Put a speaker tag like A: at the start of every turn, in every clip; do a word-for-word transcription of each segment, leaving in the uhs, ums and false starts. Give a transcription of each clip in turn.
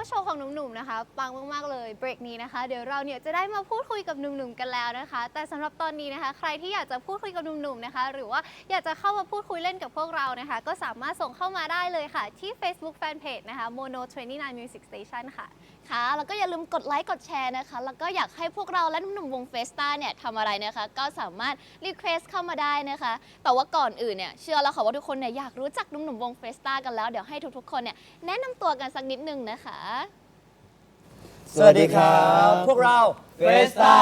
A: ว่าโชว์ของหนุ่มๆนะคะปังมากๆเลยเบรกนี้นะคะเดี๋ยวเราเนี่ยจะได้มาพูดคุยกับหนุ่มๆกันแล้วนะคะแต่สำหรับตอนนี้นะคะใครที่อยากจะพูดคุยกับหนุ่มๆนะคะหรือว่าอยากจะเข้ามาพูดคุยเล่นกับพวกเรานะคะก็สามารถส่งเข้ามาได้เลยค่ะที่ Facebook Fanpage นะคะ Mono ยี่สิบเก้า Music Station ค่ะ
B: ค่ะแล้วก็อย่าลืมกดไลค์กดแชร์นะคะแล้วก็อยากให้พวกเราและหนุ่มๆวงเฟสต้าเนี่ยทำอะไรนะคะก็สามารถรีเควสเข้ามาได้นะคะแต่ว่าก่อนอื่นเนี่ยเชื่อแล้วค่ะว่าทุกคนเนี่ยอยากรู้จักหนุ่มๆวงเฟสต้ากันแล้วเดี๋ยวให้ทุกๆคนเนี่ยแนะนำตัวกันสักนิดนึงนะคะ
C: สวัสดีครับพวกเราเฟสต้า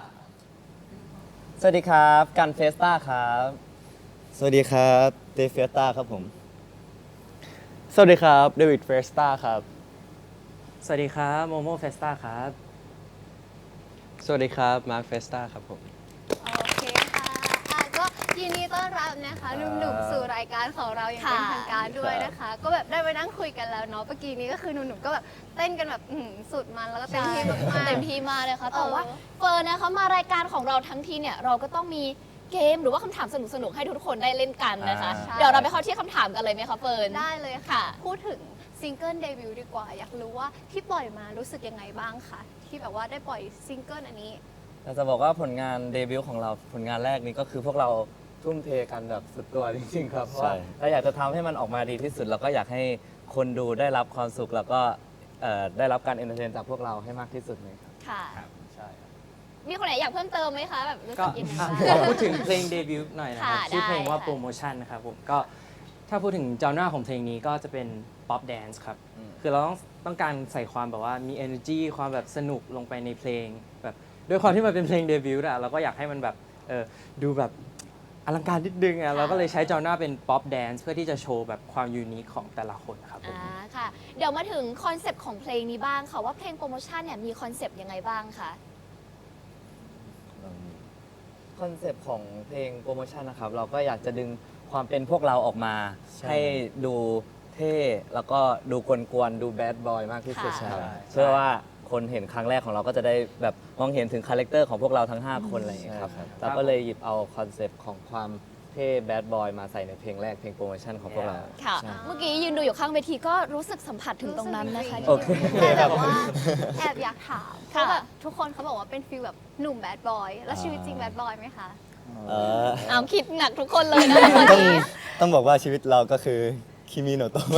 C: สวัสดีครับกันเฟสต้าครับสวัสดีครับเตเฟสต้าครับผม
D: สวัสดีครับเดวิดเฟสต้าครับ
E: สวัสดีครับโมโมเฟสต้าครับ
D: สวัสดีครับมาร์คเฟสต้าครับผม
A: โอเคค่ะอ่ะก็ยินดีต้อนรับนะคะหนุ่มๆสู่รายการของเราอย่างเป็นทางการด้วยนะคะ ก็แบบได้ไปนั่งคุยกันแล้วเนาะเมื่อกี้นี้ก็คือหนุ่มๆก็แบบเต้นกันแบบอื้อหือสุดมันแล้วก็เต็มที่มากๆ
B: เต็มที่มากเลยค่ะแต่ว่า
A: เออ
B: เฟิร์นนะคะมารายการของเราทั้งทีเนี่ยเราก็ต้องมีเกมหรือว่าคำถามสนุกๆให้ทุกคนได้เล่นกันนะคะ
A: ใช่
B: เดี๋ยวเราไปเข้าที่คำถามกันเลยไหมคะเฟิร์น
A: ได้เลยค่ะ
B: ค่ะ
A: พูดถึงซิงเกิลเดบิวต์ดีกว่า อยากรู้ว่าที่ปล่อยมารู้สึกยังไงบ้างคะที่แบบว่าได้ปล่อยซิงเกิลอันนี้
C: เราจะบอกว่าผลงานเดบิวต์ของเราผลงานแรกนี้ก็คือพวกเราทุ่มเทกันแบบสุดตัวจริงๆครับเพราะว่าเราอยากจะทำให้มันออกมาดีที่สุดแล้วก็อยากให้คนดูได้รับความสุขแล้วก็เอ่อได้รับการเอนเตอร์เทนจากพวกเราให้มากที่สุดเลยครับ
B: ค่ะ
D: ใช่ครับ
B: มีคนไหนอยากเพิ่มเติมไหมคะแบบรู้
E: ก็
B: สึกยังไง
E: อ่ะ
B: บ้าง
E: ขอพูดถึงเพลงเดบิวต์หน่อยนะครับ
B: ค่ะ
E: ชื่อเพลงว่า
B: ได้ค่ะ
E: โปรโมชั่นนะครับผมก็ถ้าพูดถึงจอน่าของเพลงนี้ก็จะเป็นป๊อปแดนซ์ครับ
C: อืม
E: คือเราต้องต้องการใส่ความแบบว่ามี energy ความแบบสนุกลงไปในเพลงแบบด้วยความที่มันเป็นเพลงเดบิวต์อะเราก็อยากให้มันแบบเออดูแบบอลังการนิดนึงอะเราก็เลยใช้จอน่าเป็นป๊อปแดนซ์เพื่อที่จะโชว์แบบความยูนิคของแต่ละคนครับผม
B: อ่าค่ะ เดี๋ยวมาถึงคอนเซปต์ของเพลงนี้บ้างค่ะว่าเพลงโปรโมชั่นเนี่ยมีคอนเซปต์ยังไงบ้างคะ
C: คอนเซปต์ของเพลงโปรโมชั่นนะครับเราก็อยากจะดึงความเป็นพวกเราออกมา ให้ดูเท่แล้วก็ดูกวนๆดูแบดบอยมากที่สุด
B: ค่ะ
C: ครับ
D: ใช่
C: เชื่อว่าคนเห็นครั้งแรกของเราก็จะได้แบบมองเห็นถึงคาแรคเตอร์ของพวกเราทั้ง 5 คนอะไรอย่างเงี้ยครับ
D: ใช่ครับ
C: เราก็เลยหยิบเอาคอนเซปต์ของความเท่แบดบอยมาใส่ในเพลงแรกเพลงโปรโมชั่นของพวกเรา
B: ค่ะ
C: ใช่
B: เมื่อกี้ยืนดูอยู่ข้างเวทีก็รู้สึกสัมผัสถึงตรงนั้นนะคะ
A: รู้สึก
C: โอเค
A: แต่แบบว่าแอบอยากถามเพ
B: ค่ะ
A: ราะแบบทุกคนเขาบอกว่าเป็นฟีลแบบหนุ่มแบดบอยแล้วชีวิตจริงแบดบอยไหมคะ
F: เออ
B: เอาคิดหนักทุกคนเลยนะวัน
F: ต้อง
B: นี้
F: ต้องบอกว่าชีวิตเราก็คือคิมิโนโตะ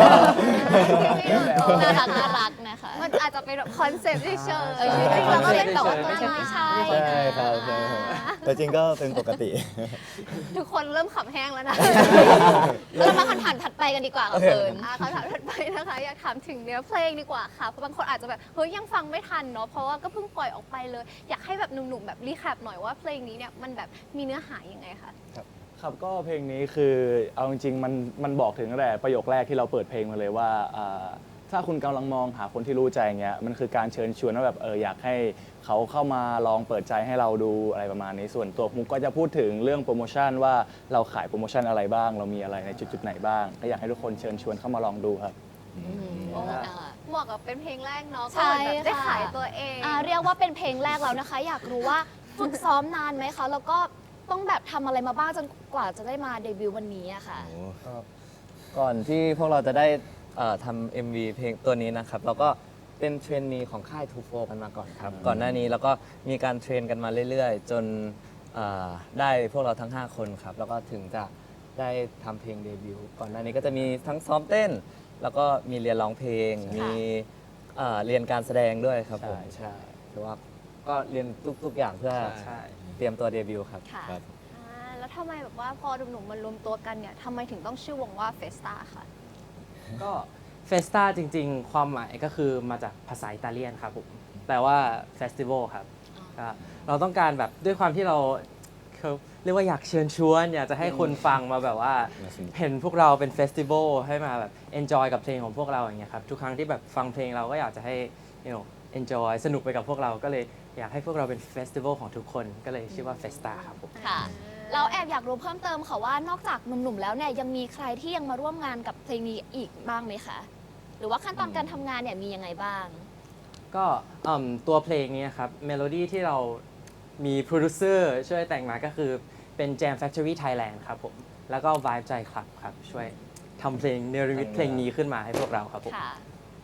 B: น่ารักน่ารักนะคะ
A: มันอาจจะเป็นแบบคอนเซปต์เฉยๆ
B: เออ
A: ชีวิตจริงเราก็เป็นแบบว่า
B: ไม่ใช่ไม่ใช่
F: ใช่ครับใช่ครับแต่จริงก็เป็นปกติ
A: ทุกคนเริ่มขำแห้งแล้วนะ
B: เรามาคำถามถัดไปกันดีกว่าค่ะเฟิร์น
A: อ่ะคำถามถัดไปนะคะอยากถามถึงเนื้อเพลงดีกว่าค่ะเพราะบางคนอาจจะแบบเฮ้ยยังฟังไม่ทันเนาะเพราะว่าก็เพิ่งปล่อยออกไปเลย อยากให้แบบหนุ่มๆแบบรีแคปหน่อยว่าเพลงนี้เนี่ยมันแบบมีเนื้อหายังไงคะ
D: ครับก็เพลงนี้คือเอาจริงๆมันมันบอกถึงตั้งแต่ประโยคแรกที่เราเปิดเพลงมาเลยว่าอ่าถ้าคุณกำลังมองหาคนที่รู้ใจอย่างเงี้ยมันคือการเชิญชวนว่าแบบเอออยากให้เขาเข้ามาลองเปิดใจให้เราดูอะไรประมาณนี้ส่วนตัวมุกก็จะพูดถึงเรื่องโปรโมชั่นว่าเราขายโปรโมชั่นอะไรบ้าง เรามีอะไรในจุดๆไหนบ้างก็อยากให้ทุกคนเชิญชวนเข้ามาลองดูครับ
A: โอ้เหมาะกับเป็นเพลงแรกเนาะ
B: ใช่
A: ก็เหมือนแบบได้
B: ค่ะ
A: ขายตัวเอง
B: อ่าเรียกว่าเป็นเพลงแรกแล้วนะคะ อยากรู้ว่าฝึกซ้อมนานไหมคะ แล้วก็ต้องแบบทำอะไรมาบ้างจนกว่าจะได้มาเดบิวต์วันนี้อะค่ะ
C: ก่อนที่พวกเราจะได้เอ่อทำ เอ็ม วี เพลงตัวนี้นะครับ เราก็เป็นเทรนนีของค่าย ทูโฟร์ กันมาก่อนครับ ก่อนหน้านี้เราก็มีการเทรนกันมาเรื่อยๆ จนเอ่อได้พวกเราทั้ง 5 คนครับ แล้วก็ถึงจะได้ทำเพลงเดบิวต์ก่อนหน้านี้ก็จะมีทั้งซ้อมเต้น แล้วก็มีเรียนร้องเพลง มีเอ่อเรียนการแสดงด้วยครับผม
D: ใช่
C: ใช่ถือว่าก็เรียนทุกๆอย่างเพื่อ
E: ใช่
C: เตรียมตัวเดบิวต์ครับ
B: ค่ะ
F: ครับ
A: อ่าแล้วทำไมแบบว่าพอหนุ่มๆมารวมตัวกันเนี่ยทำไมถึงต้องชื่อวงว่าเฟสตาค่ะ
E: ก็เฟสตาจริงๆ ความหมายก็คือมาจากภาษาอิตาเลียนครับผมแปลว่าเฟสติวัลครับก็เราต้องการแบบด้วยความที่เราเขาเรียกว่าอยากเชิญชวน อยากจะให้คนฟังมาแบบว่า
F: มาสนุก
E: เห็นพวกเราเป็นเฟสติวัลให้มาแบบเอนจอยกับเพลงของพวกเราอย่างเงี้ยครับทุกครั้งที่แบบฟังเพลงเราก็อยากจะให้ you know enjoy สนุกไปกับพวกเราก็เลยอยากให้พวกเราเป็นเฟสติวัลของทุกคนก็เลยชื่อว่าเฟสตาครับผม
B: ค่ะ เราแอบอยากรู้เพิ่มเติมค่ะว่านอกจากหนุ่มๆแล้วเนี่ยยังมีใครที่ยังมาร่วมงานกับเพลงนี้อีกบ้างไหมคะ หรือว่าขั้นตอนการทำงานเนี่ยมียังไงบ้าง
E: ก็อืมตัวเพลงนี้นะครับเมโลดี้ที่เรามีโปรดิวเซอร์ช่วยแต่งมาก็คือเป็น Jam Factory Thailand ครับผมแล้วก็ Vibe ใจครับครับช่วยทำเพลงเนรมิตเพลงนี้ขึ้นมาให้พวกเราครับผม
B: ค่ะ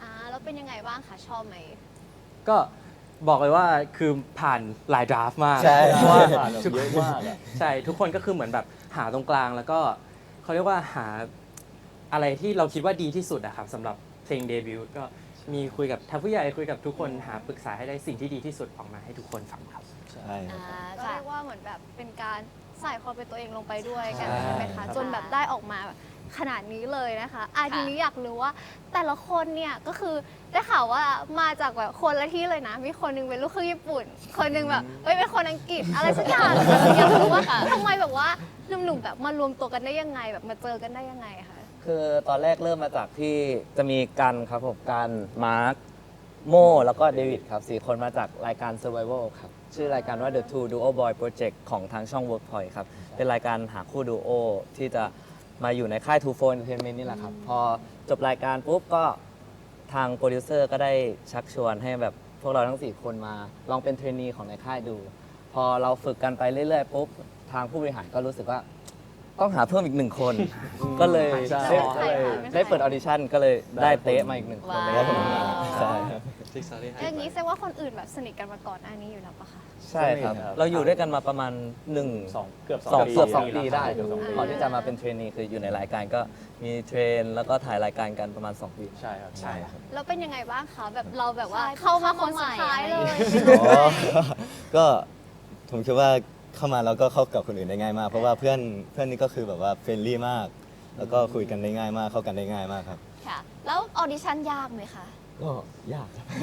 A: อ่าแล้วเป็นยังไงบ้างคะชอบไหม
E: ก็บอกเลยว่าคือผ่านหลายดราฟต์มาก
F: ใช่
E: เพราะว่า
D: ผ่านแบบเยอะมากอะ
E: ใช่ทุกคนก็คือเหมือนแบบหาตรงกลางแล้วก็เขาเรียกว่าหาอะไรที่เราคิดว่าดีที่สุดอะครับสำหรับเพลงเดบิวต์ก็มีคุยกับทางผู้ใหญ่คุยกับทุกคนหาปรึกษาให้ได้สิ่งที่ดีที่สุดออกมาให้ทุกคนฟังครับ
F: ใช่ค
B: อ่า
F: รับ
A: ก็
B: ค่ะ
A: เรียกว่าเหมือนแบบเป็นการใส่ความเป็นตัวเองลงไปด้วยกัน
F: ใช่
A: ใช่ไหม
F: ครั
A: คะ
F: บ
A: จนแบบได้ออกมาแบบขนาดนี้เลยนะคะอ่ะ
B: ค่ะ
A: ทีนี้อยากรู้ว่าแต่ละคนเนี่ยก็คือได้ข่าวว่ามาจากแบบคนละที่เลยนะ มีคนหนึงเป็นลูกครึ่งญี่ปุ่น คนหนึงแบบเอ้ยเป็นคนอังกฤษอะไรสักอย่างอยากรู้ว่าทำไมแบบว่าหนุ่มๆแบบมารวมตัวกันได้ยังไงแบบมาเจอกันได้ยังไงคะ
C: คือตอนแรกเริ่มมาจากที่จะมีกันครับผมกันมาร์คโมแล้วก็เดวิดครับสี่คนมาจากรายการ Survival ครับ ชื่อรายการว่า The Two Duo Boy Project ของทางช่อง Workpoint ครับ เป็นรายการหาคู่ดูโอที่จะมาอยู่ในค่าย Two Four Entertainment นี่แหละครับ พอจบรายการปุ๊บก็ทางโปรดิวเซอร์ก็ได้ชักชวนให้แบบพวกเราทั้ง สี่ คนมาลองเป็นเทรนนีของในค่ายดู พอเราฝึกกันไปเรื่อยๆปุ๊บทางผู้บริหารก็รู้สึกว่า ต้องหาเพิ่มอีกหนึ่งคน ก็เลย
D: ใช่
C: ได้
A: ใช่ค่ะ
C: ได้เปิดออดิชั่นก็เลยได้เต๊ะมาอีกหนึ่งคน
B: ว้าว
C: ได้ผมมา
F: ใช่ครับ
A: อย่างนี้แสดงว่าคนอื่นแบบสนิทกันมาก่อนหน้านี้อยู่แล้วปะคะ
C: ใช่ครับ
D: สนิทครับ
C: เราอยู่ด้วยกันมาประมาณหนึ่ง
D: สองเกือบ
C: สอง
D: ปี
C: เกือบสองปี
D: แล้ว
C: ได้
D: เกือบสองปี
C: ก่อนที่จะมาเป็นเทรนนีคืออยู่ในรายการก็มีเทรนแล้วก็ถ่ายรายการกันประมาณ สอง ปี
D: ใช่ครับใช่ครับ
A: แล้วเป็นยังไงบ้างคะแบบเราแบบว่า
B: ใช่
A: เข้ามาคนสุดท้ายเลย
F: อ๋อ ก็ผมคิดว่าเข้ามาแล้วก็เข้ากับคนอื่นได้ง่ายมาก เพราะว่าเพื่อนเพื่อนนี่ก็คือแบบว่าเฟรนลี่มาก แล้วก็คุยกันได้ง่ายมาก เข้ากันได้ง่ายมากครับ
B: ค่ะ แล้วออดิชั่นยากไหมคะ
F: ก็ยากครับ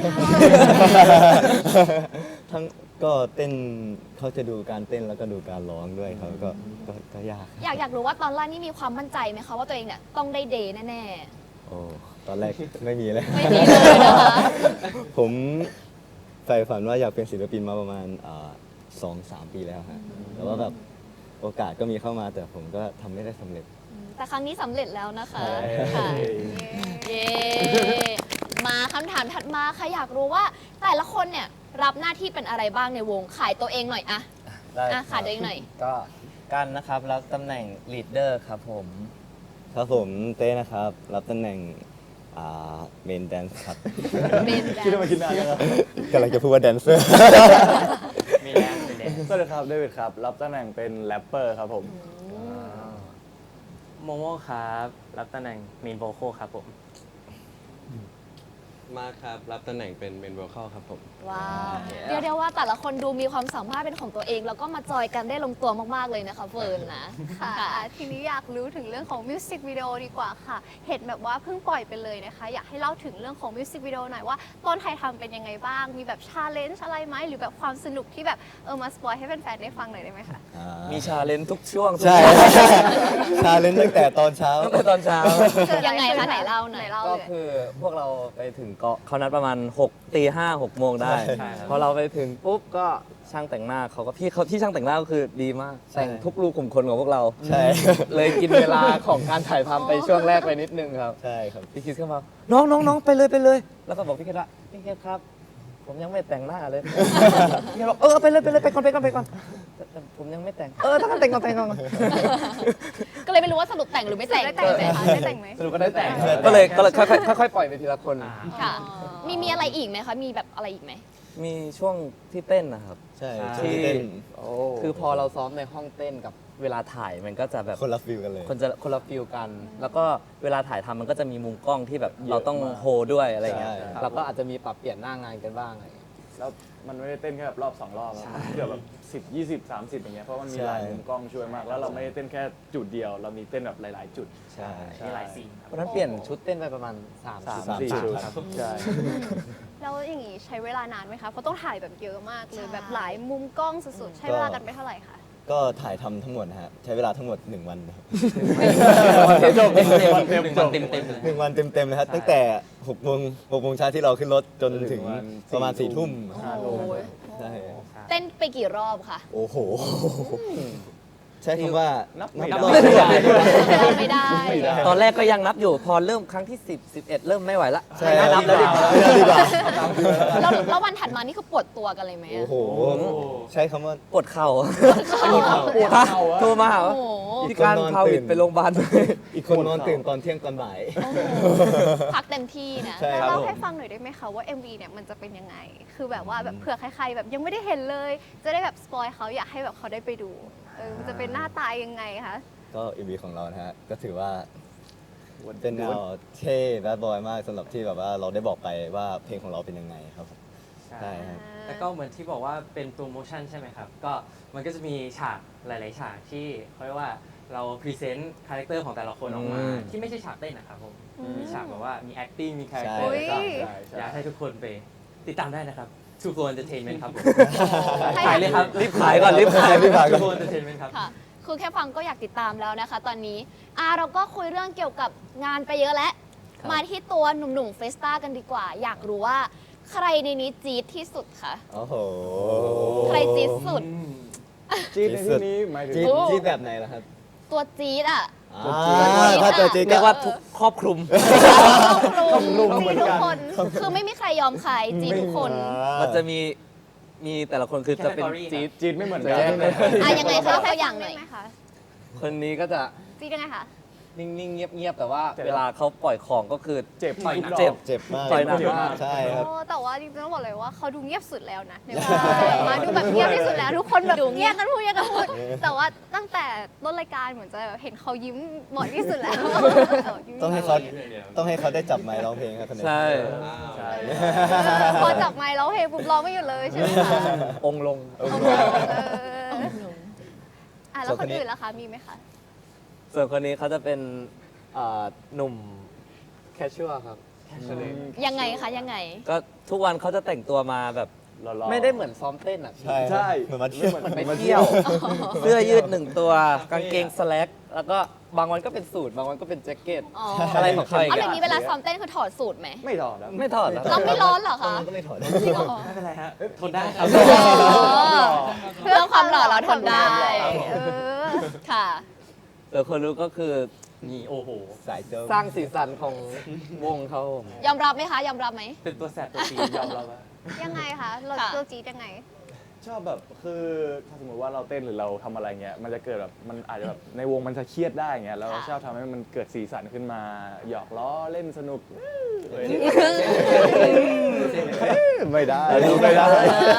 F: ทั้งก็เต้นเขาจะดูการเต้นแล้วก็ดูการร้องด้วยครับก็ก็ก็ยากครับ
B: อยากอยากรู้ว่าตอนแรกนี่มีความมั่นใจไหมคะว่าตัวเองเนี่ยต้องได้เดย์แน่
F: โอ้ตอนแรก ไม่มีเลย
B: ๆ ไม่มีเลยนะคะ
F: ผมใฝ่ฝันว่าอยากเป็นศิลปินมาประมาณอ่าสองสามปีแล้วฮะแต่ว่าแบบโอกาสก็มีเข้ามาแต่ผมก็ทำไม่ได้สำเร็จ
B: แต่ครั้งนี้สำเร็จแล้วนะคะ
F: ใช่
B: ค่ะ เย้ มาคำถามถัดมาค่ะอยากรู้ว่าแต่ละคนเนี่ยรับหน้าที่เป็นอะไรบ้างในวง ขายตัวเองหน่อยอะ
C: ได้
B: อ่ะ
C: ค
B: ขา
C: รั
B: ย
C: บ
B: ตัวเองหน่อย
C: ก็กันนะครับรับตำแหน่งลีดเดอร์ครับผม
F: ครับผมเต้นะครับ รับตำแหน่งเมนแดนซ์ครับ
B: เป็นแด
D: คิด
B: น
D: ว่ามาคิดนานแล้วครับ
F: กำลังจะพูดว่าแดนเซอร์
E: มีแรงมีแรง
D: สวัสดีครับเดวิดครับ รับตำแหน่งเป็นแรปเปอร์ครับผม
E: โมโมครับรับตำแหน่งเมนโวคอลครับผม
G: มาครับ รับตำแหน่งเป็นเมนโวคอลครับผม
B: ว้าวเรียกได้ว่าแต่ละคนดูมีความสามารถเป็นของตัวเอง แล้วก็มาจอยกันได้ลงตัวมากๆเลยนะคะเฟิร์นนะ
A: ค่ะทีนี้อยากรู้ถึงเรื่องของมิวสิกวิดีโอดีกว่าค่ะ เห็นแบบว่าเพิ่งปล่อยไปเลยนะคะ อยากให้เล่าถึงเรื่องของมิวสิกวิดีโอหน่อยว่าตอนถ่ายทำเป็นยังไงบ้าง มีแบบชาเลนจ์อะไรไหมหรือแบบความสนุกที่แบบเออมาสปอยให้แฟนๆได้ฟังหน่อยได้ไหมคะ
C: มีชาเลนจ์ทุกช่วง
F: ใช่ ชาเลนจ์ตั้งแต่ตอนเช้า
C: ตั้งแต่ตอนเช้า
B: ยังไงคะไหนเล่าหน่อย
A: ไหนเล่า
C: ก็
A: เลย
C: คือพวกเราไปถึงเกาะเขานัดประมาณ6ตีห้าหกโมงได้
E: ใช่ครับ
C: พอเราไปถึงปุ๊บก็ช่างแต่งหน้าเขาก็พี่เขาที่ช่างแต่งหน้าก็คือดีมาก
F: ใช่
C: แต่งทุกรูขุมขนของพวกเรา
F: ใช่
C: เลยกินเวลาของการถ่ายทำไปช่วงแรกไปนิดนึงครับ
F: ใช่ครับ
C: พี่คิดเข้ามา น้องน้องน้องไปเลยไปเลย แล้วก็บอกพี่คิดว่าพี่คิดครับ ผมยังไม่แต่งหน้าเลย พี่คิดบอกเออไปเลยไปเลยไปก่อนไปก่อนไปก่อนแต่แต่ผมยังไม่แต่ง เออถ้างั้นแต่งก่อนแต่งก่อน
B: ก็เลยไม่รู้ว่าสรุปแต่งหรือไม่แต่ง
A: ได้แต่งไหมคะได้แต่งไหม
C: สรุปก็ได้แต่ง ก็เลยก็เลยค่อยๆค่อยๆปล่อยไปทีละคน
B: ค่ะ มีมีอะไรอีกไหมคะ มีแบบอะไรอีกไหม
C: มีช่วงที่เต้นนะครับ
F: ใช่
E: ใช่
F: ช่วงที่เต้น
C: คือพอเราซ้อมในห้องเต้นกับเวลาถ่ายมันก็จะแบบ
F: คนละฟิลกันเลย
C: คนจะคนละฟิลกัน แล้วก็เวลาถ่ายทำมันก็จะมีมุมกล้องที่แบบเราต้อง
D: เยอะมาก
C: โฮด้วยอะไรเงี้ย
F: ใช่
C: เราก็อาจจะมีปรับเปลี่ยนหน้างานกันบ้างอะไรเงี้ย
D: แล้วมันไม่ได้เต้นแค่แบบรอบสองรอบอะเกือบแบบสิบยี่สิบสามสิบอย่างเงี้ยเพราะมันมี
F: ใช่
D: หลายมุมกล้องช่วยมาก แล้วเราไม่ได้เต้นแค่จุดเดียว เรามีเต้นแบบหลาย ๆ จุด
F: ใช่
E: มีหลายซีนครับ
C: วันนั้นเปลี่ยนชุดเต้นไปประมาณ3าม
D: สาม
F: สาม
D: สี่
F: จุด
D: ชุด
F: ครับ
D: ใช่
A: แล้วอย่างงี้ใช้เวลานานไหมคะ เพราะต้องถ่ายแบบเยอะมากเลย
B: ใช่
A: แบบหลายมุมกล้องสุดๆ ใช้เวลากันไปเท่าไหร่คะ
F: ก็ถ่ายทำทั้งหมดนะฮะ ใช้เวลาทั้งหมด หนึ่ง วันนะครับ
C: จบเต็มเต็ม
D: วันเต็ม
E: หนึ่งวันเต็มเต็มเลย
F: หนึ่งวันเต็มๆเลยครับตั้งแต่หกโมงหกโมงเช้าที่เราขึ้นรถจนถึงประมาณสี่ทุ่ม
D: ห้าทุ่ม
F: ใช่
B: เต้นไปกี่รอบคะ
F: โอ้โห ใช้คำว่า
D: นั
F: นั
D: บไม่ได้
F: รอบไม่ได้
B: ไม่ได้
C: ตอนแรกก็ยังนับอยู่ พอเริ่มครั้งที่สิบ สิบเอ็ดเริ่มไม่ไหวละ
F: ใช่
C: ไม่นับแล้วดีกว่า
F: ไม่นับดีกว่า
B: แล้วแล้ววันถัดมานี่คือปวดตัวกันเลยไหม
F: โอ้
B: อะ
F: โห ใช้คำว่า
C: ปวดเข่า
F: ปวดเข่า
C: โทรมาหา
B: โอ้
C: ว่า
B: โห
C: พี่การ
F: อีกคนนอน
C: พาวิ
F: ตื่
C: ด
F: น
C: ไปโรงพยาบาลเลย
F: อีกคนนอนตื่นตอนเที่ยงตอนบ่าย
B: โอ้โหพักเต็มที่นะ
F: ใช่
A: แล้ว
F: ครับ
A: เล่า
F: ผม
A: ให้ฟังหน่อยได้ไหมคะว่า เอ็ม วี เนี่ยมันจะเป็นยังไง คือแบบว่าแบบเผื่อใครๆแบบยังไม่ได้เห็นเลย จะได้แบบสปอยเขาอยากให้แบบเขาได้ไปดู เออ มันจะเป็นหน้าตายังไงคะ
F: ก็ เอ็ม วี ของเรานะฮะ ก็ถือว่าเป็นแนวเท่แบดบอยมากสำหรับที่แบบว่าเราได้บอกไปว่าเพลงของเราเป็นยังไงครับผมใช่ครับ
E: แล้วก็เหมือนที่บอกว่าเป็นโปรโมชั่นใช่ไหมครับ ก็มันก็จะมีฉากหลาย ๆ ฉากที่เขาเรียกว่าเราพรีเซนต์คาแรคเตอร์ของแต่ละคนออกมา
C: อืม
E: ที่ไม่ใช่ฉากเต้นนะครับผม
A: อืม
E: มีฉากแบบว่ามี acting มีคาแรคเตอ
F: ใช่
E: ร์แล้วก็
A: อุ๊ย
E: อยากให้ทุกคนไปติดตามได้นะครับ True Flow Entertainment ครับผม
A: ให้
E: ขายเลยครับ
C: รีบขายก่อนรีบขายรีบขายก่อน
E: True Flow Entertainment ครับ
B: ค่ะ คือแค่ฟังก็อยากติดตามแล้วนะคะ ตอนนี้อ่าเราก็คุยเรื่องเกี่ยวกับงานไปเยอะแล้ว
C: ครับ
B: มาที่ตัวหนุ่มๆเฟสต้ากันดีกว่า อยากรู้ว่าใครในนี้จี๊ดที่สุดคะ
F: โอ้โห
B: ใครจี๊ดสุด
D: จี๊ดในที่นี้หมายถึง
F: จี๊ด
B: โอ้
F: จี๊ดแบบไหนล่ะครับ
B: ตัวจี๊ดอ่ะ
F: อ่าถ้าตัวจี๊ด
C: เรี
F: ก็
C: ยกว่าทุกครอบคลุม
B: รุม
A: มีทุกคน
B: คือไม่มีใครยอมใครจี๊ดทุกคน
C: มันจะมีมีแต่ละคนคือจะเป็น
E: Category
C: จี๊ด
D: จี๊ดไม่เหมือนกัน
C: แยกเลย
B: อ่ะยังไงคะยกตัวอย่างหน่อย
A: ได้ไหมคะ
C: คนนี้ก็จะ
A: จีดยังไงคะ
C: นิ่งๆ เงียบๆ แต่ว่า
D: เจ็บ
C: เวลาเขาปล่อยของก็คือ
D: เจ็บ
E: ต่อย
D: ทุก
E: หนัก
D: ดอก
C: เจ็บ
F: เจ็บมาก
C: ต่อยหนัก
F: เจ็บ
C: มาก
F: ใช่ครับ
A: โอ้แต่ว่าจริงๆต้องบอกเลยว่าเขาดูเงียบสุดแล้วนะในวงมาดูแบบเงียบที่สุดแล้ว ทุกคนแบบเงียบกันพูดเงียบกันพูด แต่ว่าตั้งแต่ต้นรายการเหมือนจะเห็นเขายิ้มบ่อยที่สุดแล้ว
F: ต้องให้เขาต้องให้เขาได้จับไมค์ร้องเพลงครับคนนี้
C: ใช่
D: ใช่
A: พอจับไมค์ร้องเพลงปุ๊บร้องไม่หยุดเลยใช่ไหมคะ
C: องค์ลง
A: เอออ่ะแล้วคนอื่นล่ะคะมีไหมคะ
C: ส่วนคนนี้เขาจะเป็นเอ่อหนุ่มแคชชัวครับ
B: ยังไงคะยังไง
C: ก็ทุกวันเขาจะแต่งตัวมาแบบ
D: หล่อๆ
C: ไม่ได้เหมือนซ้อมเต้นอ่ะ
F: ใช่
D: ใช่
F: เหมือนมาเที่ยว
C: เหมือนไปเที่ยว เสื้อยืดหนึ่งตัว กางเกงสแล็ก แล้วก็บางวันก็เป็นสูท บางวันก็เป็นแจ็คเก็ต
B: อ๋อ
C: อะไรของเขาอีก
B: เอาอ
C: อะ
B: ย่างนี้เวลาซ้อมเต้นคือถอดสูตรไหม
D: ไม่ถอดครับ
C: ไม่ถอดแล้ว
B: เราไม่ร้อนเหรอ
F: ตอน
B: คะ
F: นั้นก็ไม่ถอด
B: จริงเหรอ
E: ไม่เป็นไรฮะทนได้ครับ
B: เพื่อความหล่อเราทนได้
A: เออ
B: ค่ะ
C: แต่คนรู้ก็คือ
E: นี่โอ้โห
F: สายเจ้า
C: สร้างสีสันของวงเขาผม
B: ยอมรับไหมคะ ยอมรับไหม
E: เป็นตัวแสบตัวตียอมรับว่า
A: ยังไงคะเรา
B: ค่ะ
A: เราจีดยังไง
D: ชอบแบบคือถ้าสมมติว่าเราเต้นหรือเราทำอะไรเงี้ยมันจะเกิดแบบมันอาจจะแบบในวงมันจะเครียดได้เงี้ยแล้วเรา
B: ค่ะ
D: ชอบทำให้มันเกิดสีสันขึ้นมาหยอกล้อเล่นสนุกเอ้ยไม่ได้ไม่ได้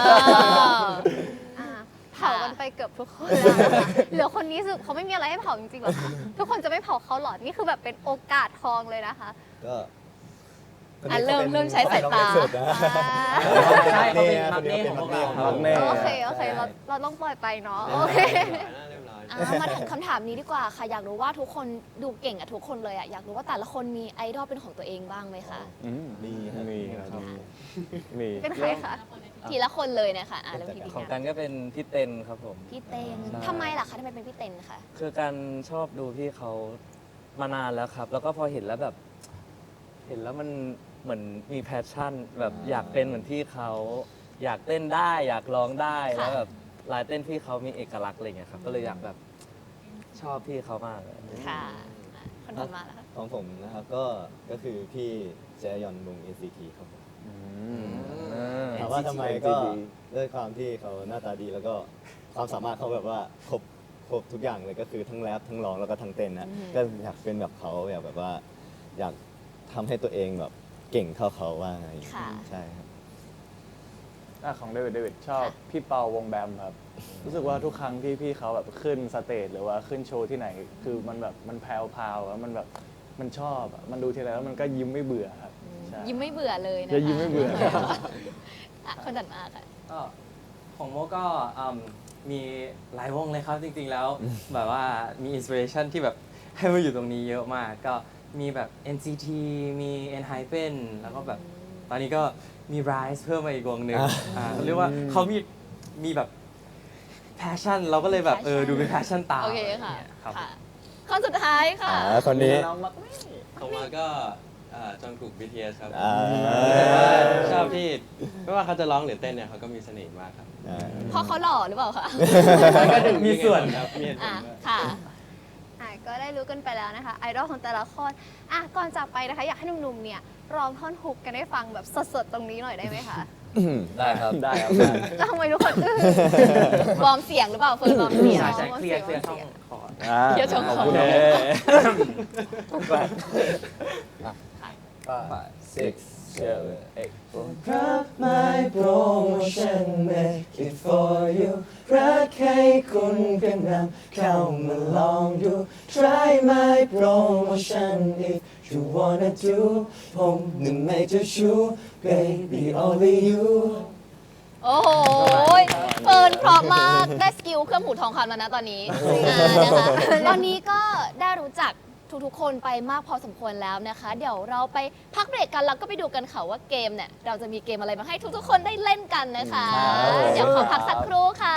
A: อ่าเผากันไปเกือบทุกคนแล้วนะคะเหลือคนนี้สึกเขาไม่มีอะไรให้เผาจริงๆหรอคะทุกคนจะไม่เผาเขาหรอ นี่คือแบบเป็นโอกาสทองเลยนะคะ
F: ก็คน
B: อ่ะ
F: นี้
B: เริ่ม
F: ขาป็น
B: เริ่มใช้สายตา
F: น้องเล็กสุดนะ
E: ใช่เขาเป็น
F: ค
E: มัก
F: น
E: เน่
F: นี้
E: ของพวกเรา
F: เป็น
D: มักเน่
A: โอเค โอเค เราเราต้องปล่อยไปเนาะ โอเค
B: อ่ะมาถึงคำถามนี้ดีกว่าค่ะ อยากรู้ว่าทุกคนดูเก่งอะทุกคนเลยอะอยากรู้ว่าแต่ละคนมีไอดอลเป็นของตัวเองบ้างไหมคะ
D: อืม
F: มีครับ
D: มีครับมี
A: เป็นใครคะ
B: ทีละคนเลยนะคะอ่ะเริ่มที่พี่
C: ของ
B: กั
C: กัน นก็เป็นพี่เต็นครับผม
B: พี่เต้น
C: ใช่
B: ทำไมล่ะคะทำไมเป็นพี่เต้นคะ
C: คือการชอบดูพี่เขามานานแล้วครับ แล้วก็พอเห็นแล้วแบบ เห็นแล้วมันเหมือนมีแพชชั่น แบบอยากเป็นเหมือนพี่เขาอยากเต้นได้ อยากร้องได้แล้วแบบลายเต้นพี่เขามีเอกลักษณ์อะไรอย่างเงี้ยครับ ก็เลยอยากแบบชอบพี่เขามากเลย
B: ค่ะอ่ะคนถัดมาล่ะคะ
F: ของผมนะครับก็ก็คือพี่แจยอนวง เอ็น ซี ที ครับผม
D: อืม
F: ถามว่าทำไมก็ด้วยความที่เขาหน้าตาดีแล้วก็ความสามารถเขาแบบว่าครบครบทุกอย่างเลยก็คือทั้งแรปทั้งร้องแล้วก็ทั้งเต้นนะก็อยากเป็นแบบเขาอยากแบบว่า อยากทำให้ตัวเองแบบเก่งเท่าเขาว่าไง
B: ค่ะ
F: ใช่ครับ
D: อ่ะของเดวิดเดวิดชอบพี่เปาวงแบมครับ รู้สึกว่าทุกครั้งที่พี่เขาแบบขึ้นสเตจหรือว่าขึ้นโชว์ที่ไหน คือมันแบบมันแพรวพราวแล้วมันแบบมันชอบอะมันดูทีไรแล้วมันก็ยิ้มไม่เบื่อครับใช่
B: ยิ้มไม่เบื่อเลยนะคะ
D: จะยิ้มไม่เบื่อ
B: อ่ะคนถัดมาค่ะ
E: ก็ของโมก็อืมมีหลายวงเลยครับจริงๆแล้ว แบบว่ามีอินสปิเรชันที่แบบให้มาอยู่ตรงนี้เยอะมาก ก็มีแบบ เอ็น ซี ที มี ENHYPEN แล้วก็แบบตอนนี้ก็มี Rise เพิ่มมาอีกวงหนึ่งอ่าเขาเรียกว่าเขามีมีแบบ passion เราก็เลยแบบเออ
B: Passion
E: ดูเป็น passion ตาม
B: โอเคค่ะ
E: ครับ
B: ค่ะคนสุดท้ายค่ะ
F: อ่าคนนี้
G: ต่อมาก็อ่าจองถูก บี ที เอส ครับ
F: อ่า
G: แต่ว่าชอบที่ไม่ว่าเขาจะร้องหรือเต้นเนี่ยเขาก็มีเสน่ห์มากครับ
F: อ่า
B: เพราะเขาหล่อหรือเปล่าคะ
G: ก็
E: มีส่วน
G: ครับมีเหตุผล
B: อ่ะ
G: ด้วย
B: ค่ะ
A: อ่ะก็ได้รู้กันไปแล้วนะคะไอดอลของแต่ละคนอ่ะก่อนจากไปนะคะอยากให้หนุ่มๆเนี่ยร้องท่อนฮุกกันให้ฟังแบบสดๆตรงนี้หน่อยได้ไหมคะ
C: ได้ครับ
D: ได้ครับ
A: แล้วทำไมทุกคนอื้อ
B: วอร์มเสียงหรือเปล่าเฟิร์นวอร์มเสียง
E: ใช่ใช่
A: เอา
E: เคลียร์
A: เสี
E: เคลี
A: ย
E: ย
A: ง
E: ร์ช่องคอร์ด
D: อ่า
B: เดี๋ยวชมขอ
D: โอเค
C: five six seven eight
F: รักไม่โปรโมชั่น make it for you รักให้คุณกันนำเข้ามาลองดู try my promotion if you wanna do ผมหนึ่งในเจ้าชู้ baby only you
B: โอ้โหเฟิร์นเพราะมากได้สกิลเครื่องหูทองคำแล้วนะตอนนี้อ่านะคะตอนนี้ก็ได้รู้จักทุกๆคนไปมากพอสมควรแล้วนะคะ เดี๋ยวเราไปพักเบรกกันแล้วก็ไปดูกันค่ะว่าเกมเนี่ยเราจะมีเกมอะไรมาให้ทุกๆคนได้เล่นกันนะคะ เดี๋ยวขอพักสักครู่ค่ะ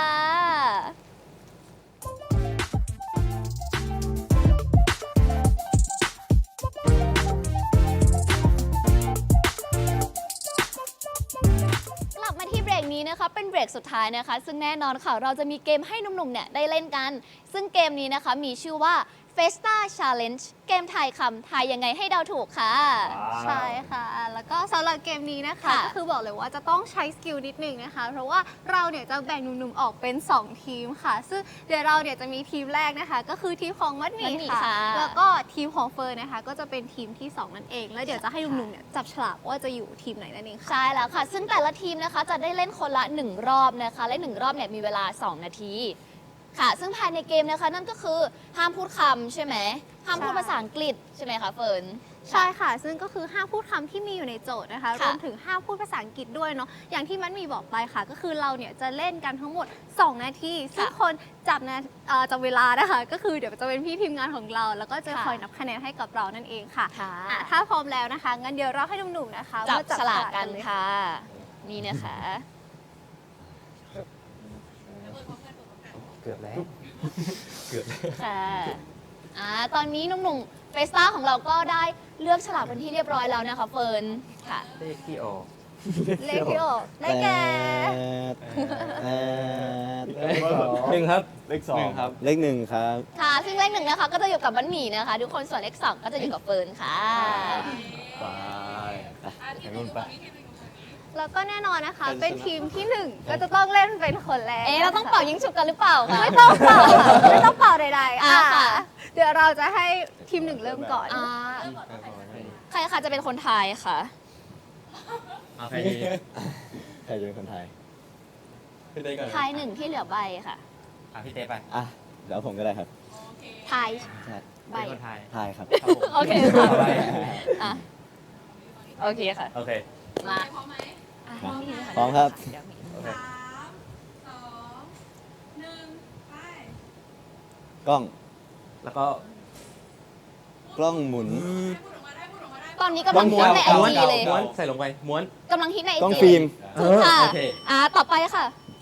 B: กลับมาที่เบรกนี้นะคะเป็นเบรกสุดท้ายนะคะ ซึ่งแน่นอนค่ะเราจะมีเกมให้หนุ่มๆเนี่ยได้เล่นกัน ซึ่งเกมนี้นะคะมีชื่อว่า Festa Challenge เกมทายคำทายยังไงให้เดาถูกค่ะ
A: ใช่ค่ะ แล้วก็สำหรับเกมนี้นะคะ
B: ค่ะ
A: ก็คือบอกเลยว่าจะต้องใช้สกิลนิดหนึ่งนะคะ เพราะว่าเราเนี่ยจะแบ่งหนุ่มๆออกเป็น สอง ทีมค่ะ ซึ่งเดี๋ยวเราเนี่ยจะมีทีมแรกนะคะ ก็คือทีมของมัดหมี่
B: มัดหมี่
A: ค่ะ
B: ค่ะ
A: แล้วก็ทีมของเฟิร์นนะคะ ก็จะเป็นทีมที่ สอง นั่นเอง แล้วเดี๋ยวจะให้หนุ่มๆเนี่ยจับฉลากว่าจะอยู่ทีมไหนนั่นเองค่ะ
B: ใช่แล้วค่ะ ซึ่งแต่ละทีมนะคะจะได้เล่นคนละหนึ่งรอบนะคะ และหนึ่งรอบเนี่ยมีเวลา สอง นาที ค่ะ ซึ่งภายในเกมนะคะนั่นก็คือห้ามพูดคำใช่ไหมห้ามพูด
A: ใช่
B: ภาษาอังกฤษใช่ไหมคะเฟิร์น
A: ใช่ค่ะ ซึ่งก็คือห้ามพูดคำที่มีอยู่ในโจทย์นะคะ ร
B: ค่ะ
A: วมถึงห้ามพูดภาษาอังกฤษด้วยเนาะ อย่างที่มันมีบอกไปค่ะ ก็คือเราเนี่ยจะเล่นกันทั้งหมด สอง นาที ซึ่งคนจับนะเอ่อจับเวลานะคะ ก็คือเดี๋ยวจะเป็นพี่ทีมงานของเรา แล้วก็จะ
B: ค่ะ
A: คอยนับคะแนนให้กับเรานั่นเองค่ะ
B: ค่ะ
A: อ่ะ ถ้าพร้อมแล้วนะคะ งั้นเดี๋ยวเราให้หนุ่มๆนะคะ
B: จับ
A: มา
B: ฉลากกัน
A: เลย
B: ค่ะ นี่นะคะ
E: เกือบแล้ว
B: ค่ะอ่าตอนนี้หนุ่มๆเฟสต้าของเราก็ได้เลือกฉลากเป็นที่เรียบร้อยแล้วนะคะเฟิร์นค่ะ
E: เลขที่ออก
A: เลขที่ออกได้แก่
C: หนึ่งครับ
D: เลขสอง
G: หนึ่งครับ
F: เลขหนึ่งครับ
B: ค่ะ ซึ่งเลขหนึ่งนะคะก็จะอยู่กับบันหมี่นะคะ ทุกคนส่วนเลขสองก็จะอยู่กับเฟิร์นค่ะ
A: แล้วก็แน่นอนนะคะ เป็นทีมที่หนึ่งก็จะต้องเล่นเป็นคนแรก
B: เอ๊ะเราต้องเป่ายิงฉุบกันหรือเปล่าคะ
A: ไม่ต้องเป่าค่ะไม่ต้องเป่าใดๆ
B: อ่า
A: อ่ะ
B: ค่ะ
A: เดี๋ยวเราจะให้ทีมหนึ่งเริ่มก่อน
B: อ่าใครคะจะเป็นคนไทายค่ะ
G: เอาใครดี
F: ใครจะเป็นคนไทย
G: พี่เต้ก่อน
B: ทายหนึ่งที่เหลือใบค่ะ
G: อ่ะพี่เต้ไป
F: อ่ะแล้วผมก็ได้ครับ
B: ทาย
F: ใช่
B: ใบ
G: เป็นคนไทย
F: ไทยครับ
G: ครับผม
B: โอเคค่ะ
G: ไป
B: อ่ะโอเคค่ะ
G: โอเค
B: มาอ่ะนี่เลยะ
F: พร้อมครับ
B: เดี๋ยวมี
G: โอเค
F: กล้อง
E: แล้วก็
F: กล้องหมุน
B: ตอนนี้กำลังฮิตในไอ
G: ม้วน
B: จีเลย
G: ม้วนใส่ลงไปม้วน
B: กำลังฮิตในไอก
F: ล้อง
B: จี
F: ฟิล์ม
B: ถูกค่ะ
G: โอเค
B: อ่ะต่อไปค่ะ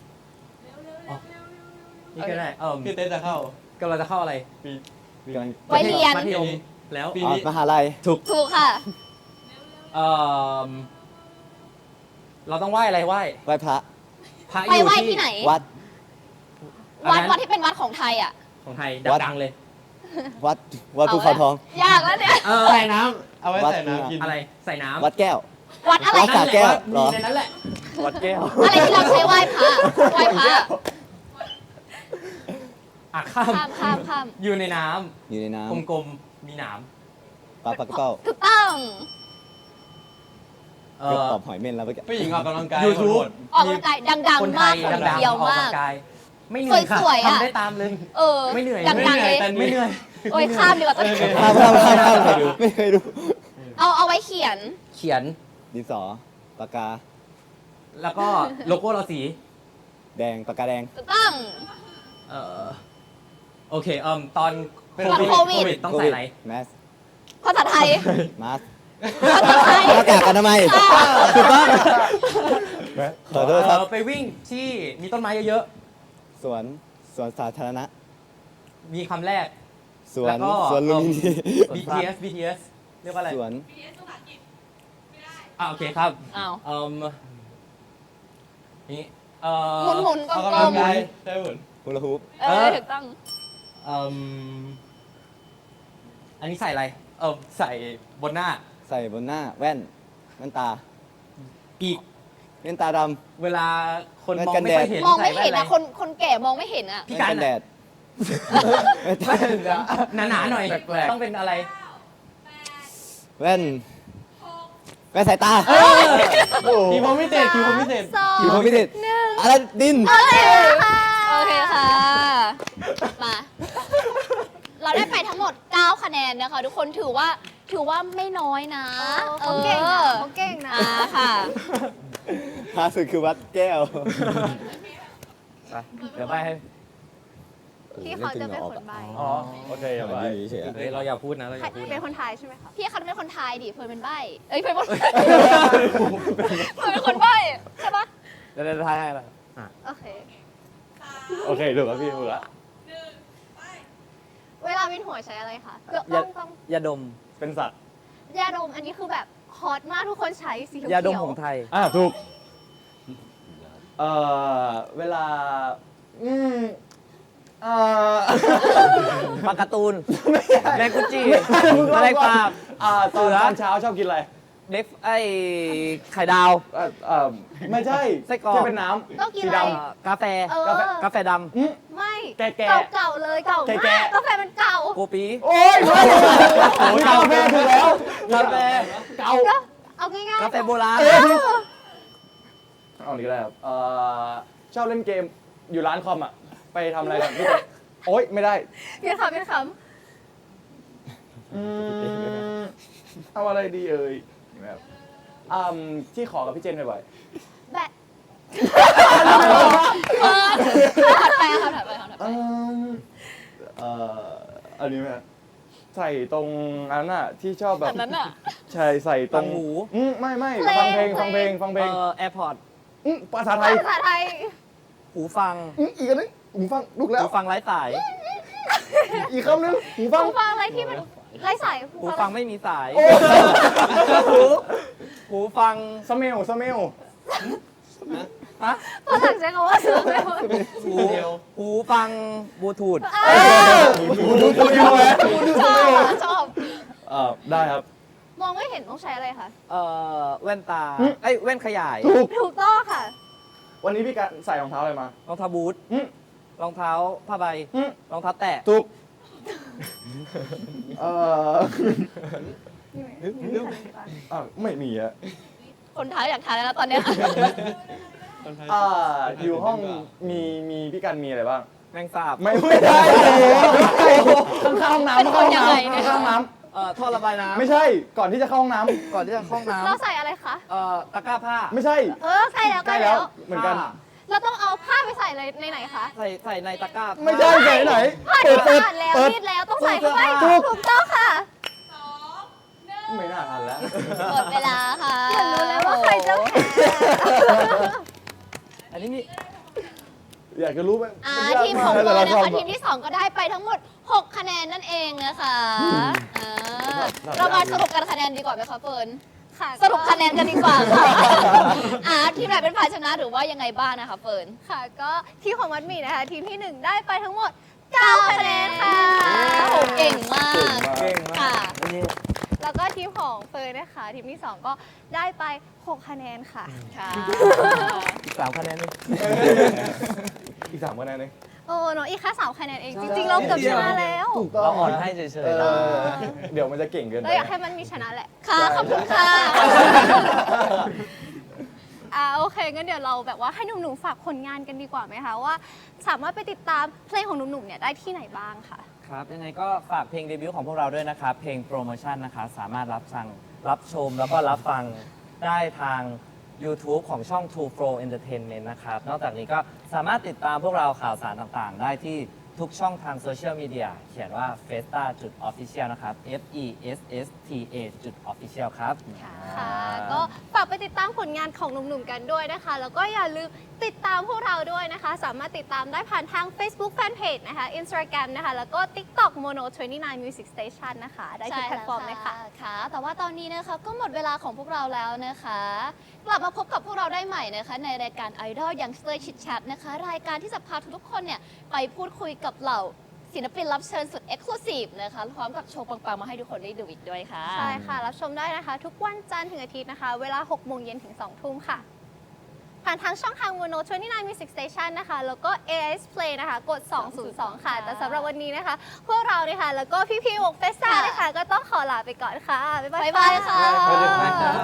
E: นี่ก็ได้เออ
G: พี่เต้จะเข้าก
E: ำลังจะเข้าอะไร
G: ปี
F: กำลัง
B: ไว้เรียน
E: มัธยม
G: แล้วปี
F: อ๋อ
G: นี้
F: มหาลัย
B: ถูกค่ะ
E: เออเราต้องไหว้อะไรไหว้
F: ไหว้พระ
E: พระอ
B: ไป
E: ยู่
B: ไหว้
E: ที่
B: ที่ไหน
F: วัด
B: วัด
E: อันนั้น
B: วัดที่เป็นวัดของไทยอ่ะ
E: ของไทย
F: วัด
E: ดังๆเลย
F: วัด วัดภูเขาทอง
B: ยากแล้วเนี่ย
E: เออ
G: ใส่น้ำเอาไว้
F: วัด
G: ใส่น้ำกิน
E: อะไรใส่น้ำ
F: วัดแก้ว
B: วัดอะไร
F: วัดสระแก้ว เหร
E: มี
F: อ
E: ในนั้นแหละ
F: วัดแก้ว
B: อะไรที่เราใช้ไหว้พระไหว้พระ
E: อ่ะข้าม
B: ข้ามข้ามข้าม
E: อยู่ในน้
F: อยู่ในน้
E: ำกลมๆมีหนาม
F: ำปลาปลากระเป้า
B: ถูกต้อง
E: เอ
F: เกือบ
E: อ
F: ตอบหอยเม่นแล้วเมื่อกี้
G: ผู้หญิงออกกำลังกาย
E: YouTube
G: หมด
B: ออกกำลังกายดัง
E: คน
B: ๆ
E: ไท
B: มาก
E: ย
B: คน
E: ดัง
B: เดียว
E: ๆออก
B: มาก
E: กำลังกายไม่เหนื่อยค่ะ
B: สวยๆอะ
E: ทำได้ตามเลย
B: เออ
E: ไม่เหนื่อย
B: ดังๆเลย
E: ไม่เหนื่อย
B: โอ้ยข้ามดีกว่าต้น
F: ข้ามข้ามข้ามข้ามไม่เคยดูไม่เคยดู
B: เอาเอาไว้เขียน
E: เขียน
F: ดินสอ ปากกา
E: แล้วก็โลโก้เราสี
F: แดง ปากกาแดง
B: ถูกต้อง
E: เออโอเคเอ่มตอน
B: ตอนโควิด
E: ต้องใส่อะไร
F: แมส
B: ภาษาไทย
F: มาส
B: ภาษาไทย
F: หน้ากากอนามัยถูกต้องขอโทษครับ
E: เอ่อไปวิ่งที่มีต้นไม้เยอะ
F: สวน สวนสาธารณะ
E: ๆ มีคำแรก
F: สว
E: แล้
F: น
E: วก็
F: สวนลุมพินี
E: บี ที เอส บี ที เอส เรียกว่าอะไร
F: สวน
E: อ่าโอเคครับ
B: อ้าว
E: เอ่มนี่เอ่อ
B: หมุนหมุนๆก
G: ออก
B: ล
G: กำลัง
B: ม
G: กายใช่หมุน
F: ฮูลาฮูป
B: ๆเออถูกต้อง
E: เอ่มอันนี้ใส่อะไร เออใส่บนหน้า
F: ใส่บนหน้าแว่นแว่นตา
E: ปีก
F: แว่นตาด
E: เวลาคน
F: แว่น
E: มอง
F: กัน
E: ไม่
F: แดด
E: ค่อยเห็น
B: มองไม่
E: ใส่
B: เห็น
E: แว่
B: อะ
E: ไร
B: คนคนแก่มองไม่เห็นอะ
F: ำ
E: พี่
F: แว่
E: กัน
F: นกันแดด
E: หนาๆหน่อย
D: แปลกๆ
E: ต้องเป็นอะไร
F: แว่นแว่นสายตา
G: คิวพรหมพิเศษคิวพรหมพิเศษ
A: สอง
F: อยู่พรหมพิเศษอะไรดิน
B: โอเคค่ะ มา เราได้ไปทั้งหมด เก้า คะแนนนะคะ ทุกคนถือว่าถือว่าไม่น้อยนะ
A: เขาเก่งนะเขาเก่งนะ
B: อ่าค่ะ
F: หาสุดคือวัดแก้ว
C: ไปเดี๋ยวไปให้
A: ที่เขาจะเป็นคนใบ
D: อ๋อ โอเคอย่าไป
F: เฉย
E: เฮ้ยเราอย่าพูดนะเราอ
A: ใคร
E: ย่าพูด
A: เป็น
E: นะ
A: คนไทยใช่ไหมคะ
B: พี่คันเป็นคนไทยดิเฟิร์นเป็นใบเอ้ยเฟิร์นเป็น เฟิร์นเป็นคนใบใช่ปะ
C: เดี๋ยวจะทายให้ละ
A: โอเค
D: โอเคถูกแล้วพี่ถูกแล้ว
A: เวลาวินหัวใช้อะไรคะต้
C: ยา
A: องต้อง
C: ยาดม
D: เป็นสัตว์
A: ยาดมอันนี้คือแบบฮอตมากทุกคนใช้สีเขียว
C: ยาดมของไทย
D: อ่าถูก เอ่อ เวลา อืมเอ่อ
C: ปลาการ์ตูนแมงกุจิแมลงสาบ
D: อ่าตอน
C: เสือ
D: ตอนเช้าชอบกินอะไร
C: เด็กไอ้ไข่ดาว
D: เอ่อเอ่อไม่ใช่
C: ไส้กรอก
D: ที่เป็นน้
A: ต้อง
D: ำ
A: กิน
D: สี
A: อะไร
D: ด
C: เอ่อกาแฟ
A: เออ
C: กาแฟด
D: ำอืม
A: ไม่
D: แก่ๆ
A: เก่าเก่าๆเลยเก่า
D: แก่
A: มาก
D: ๆ
A: กาแฟมันเก่า
C: ำโกปี
D: โอ้ยไม่โอ้ยกาแฟถูกแล้ว
C: กาแฟ
D: เก่า
A: ก็เอาง่ายๆ
C: กาแฟโบราณ
D: เอาอีกแล้วเอ่อชอบเล่นเกมอยู่ร้านคอมอ่ะ ไปทำอะไรกันพี่เต้โอ๊ย ไม่ได้
A: เพียนคำเพียนค
D: อืมเอาอะไรดีเอ่ยแบบอืมที่ขอกับพี่เจนบ่อย
A: ำแบะ
B: ถัดไปค่ะถัดไปค่ะถัด
D: ๆ
B: ไป
D: อืมเอ่ออันนี้ไหมใส่ตรงอันนั้นน่ะที่ชอบแบบ
B: อันนั้นอ่ะ
D: ใช่ใส่ตรง
C: ตังหู
D: อืมไม่ไม่ฟังเพลงฟังเพลงฟังเพล
C: เอ่
D: ง
C: อแอร์พอร์ต
D: อืมภาษาไทย
A: ภาษาไทย
C: หูฟัง
D: อืมอีกอันนึงหูฟังลูกแล้ว
C: หูฟังไร้สาย
D: อีกคำนึงหูฟัง
A: หูฟังอะไรที่มันไร้สาย
C: หูฟังไม่มีสาย
D: โอ้
C: หูหูฟัง
D: สเมลสเมล
C: ฮะ
A: ฝรั่งใช้คำว่าซื้อไม่หมด
C: หูหูฟังบลูทูธ
D: หูดูสเมลไหม
B: ชอบอ่ะชอบ
D: เอ่อได้ครับ
A: มองไม่เห็นต้องใช้อะไรคะ
C: เอ่อแว่นตาไอ้ยแว่นขยาย
D: ถูก
A: ถูกต้องค่ะ
D: วันนี้พี่การใส่รองเท้าอะไรมาร
C: องเท้าบูท
D: อืม
C: รองเท้าผ้าใบ
D: อืม
C: รองเท้าแตะ
D: ถูกเอ่ออ่ะไม่มีอะ
B: คนไทยอยากทานแล้วนะตอนเนี้ย
D: อ่าอยู่ห้องมีมีพี่กันมีอะไรบ้าง
C: แมงสาบ
D: ไม่ไม่ได้โอ้โหข้างๆห้องน้ำ
B: เป็นคนยังไงเนี่ย
D: ข้างๆห้องน้
C: เอ่อท่อระบายน้
D: ำไม่ใช่ก่อนที่จะเข้าห้องน้
C: ำก่อนที่จะเข้าห้องน้
A: เราใส่อะไรคะ
C: ำเอ่อตะกร้าผ้า
D: ำไม่ใช่
A: เออใส่แล้ว
D: ใก
A: ใก
D: ล้
A: ล้
D: แล้
A: แล้ว ว
D: เหมือนกัน
C: ผ้า
A: เราต้องเอาผ้าไปใส่เลยในไหนคะ
C: ใส่ใส่ในตะกร้า
D: ไม่ใช่ไหนไหน
A: ผ้า
D: เปิ
A: ที่
D: ดเปิด
A: สะอาดแล้ว
D: เปิด
A: รีดแล้วต้องใส่เข้าไป
D: ถูก
A: ถูกต้องค่ะ
D: ไม่น่าทันแล้ว
B: หมดเวลาค่ะ
A: อยากรู้แล้วว่าใครจะแพ้
C: อันนี้มี
D: อยากจะรู้ไหม
B: อ่า
D: มันยาก
B: ทีมของ
D: าก
B: เฟิร์น
D: แต่
B: นะ
D: ละ
B: คะ
D: ำ
B: ทีมที่สองก็ได้ไปทั้งหมดหกคะแนนนั่นเองนะคะอ่า
D: ครับ
B: เรามาสรุปกันคะแนนดีกว่าไหมคะเฟิร์น
A: ค่ะ
B: สรุปคะแนนกันดีกว่าค่ะอ่าทีมไหนเป็นฝ่ายชนะหรือว่ายังไงบ้างนะคะเฟิร์น
A: ค่ะ ก็ทีมของมัดหมี่นะคะ ทีมที่หนึ่งได้ไปทั้งหมดเก้าคะแนนค่ะ
B: โอ้เก่งมาก
C: เก่งมาก
B: ค่ะ
C: อันนี้
A: แล้วก็ทีมของเฟิร์นนะคะ ทีมที่สองก็ได้ไปหกคะแนนค่ะ
B: ค่ะ
C: สามคะแนนนี่
D: อีกสามคะแนนเอง
A: โอ้น้องอีกแค่สามคะแนนเอง จริงๆ เราเกือบชนะแล้ว
D: ถูกต้อง
C: เราอ่อนให้เฉย
D: เอ
C: ๆเรา
D: อเดี๋ยวมันจะเก่งเกินไป
A: เราอยากให้มันมีชนะแหละ
B: ค่ะ ขอบคุณค่ะ
A: อ่าโอเคงั้นเดี๋ยวเราแบบว่าให้หนุ่มๆฝากผลงานกันดีกว่าไหมคะว่า สามารถไปติดตามเพลงของหนุ่มๆเนี่ยได้ที่ไหนบ้างค่ะ
C: ครับยังไงก็ฝากเพลงเดบิวต์ของพวกเราด้วยนะครับ เพลงโปรโมชั่นนะคะสามารถรับฟังรับชมแล้วก็รับฟังได้ทาง YouTube ของช่อง True Flow Entertainment นะครับ นอกจากนี้ก็สามารถติดตามพวกเราข่าวสารต่างๆ ได้ที่ทุกช่องทางโซเชียลมีเดียเขียนว่า festa official นะครับ f e s s t a official ครับ
A: ค่ะ ก็ฝากไปติดตามผลงานของหนุ่มๆกันด้วยนะคะ แล้วก็อย่าลืมติดตามพวกเราด้วยนะคะ สามารถติดตามได้ผ่านทาง Facebook Fanpage นะคะ Instagram นะคะ แล้วก็ TikTok Mono ยี่สิบเก้า Music Station นะคะ ได้ทุกแพลตฟอร์มเลยค่ะ
B: ค่ะ แต่ว่าตอนนี้นะคะก็หมดเวลาของพวกเราแล้วนะคะ กลับมาพบกับพวกเราได้ใหม่นะคะ ในรายการ Idol Youngster Chit Chat นะคะ รายการที่จะพาทุกๆคนเนี่ยไปพูดคุยกับเหล่าศิลปินรับเชิญสุด Exclusive นะคะพร้อมกับโชว์ปังๆมาให้ทุกคนได้ดูอีกด้วยค่ะ
A: ใช่ค่ะ รับชมได้นะคะ ทุกวันจันทร์ถึงอาทิตย์นะคะ เวลาหกโมงเย็นถึงสองทุ่มค่ะ ผ่านทางช่องทาง Mono ยี่สิบเก้า Music Station นะคะ แล้วก็ เอ เอส Play นะคะ กด สองศูนย์สอง ค่ะ แต่สำหรับวันนี้นะคะ พวกเราเนี่ยค่ะ แล้วก็พี่ๆวงเฟสต้า
B: ค่ะ
A: นะคะ ก็ต้องขอลาไปก่อนค่ะ บ๊ายบาย
B: บ๊ายบายค่ะ
E: บ๊ายบายครับ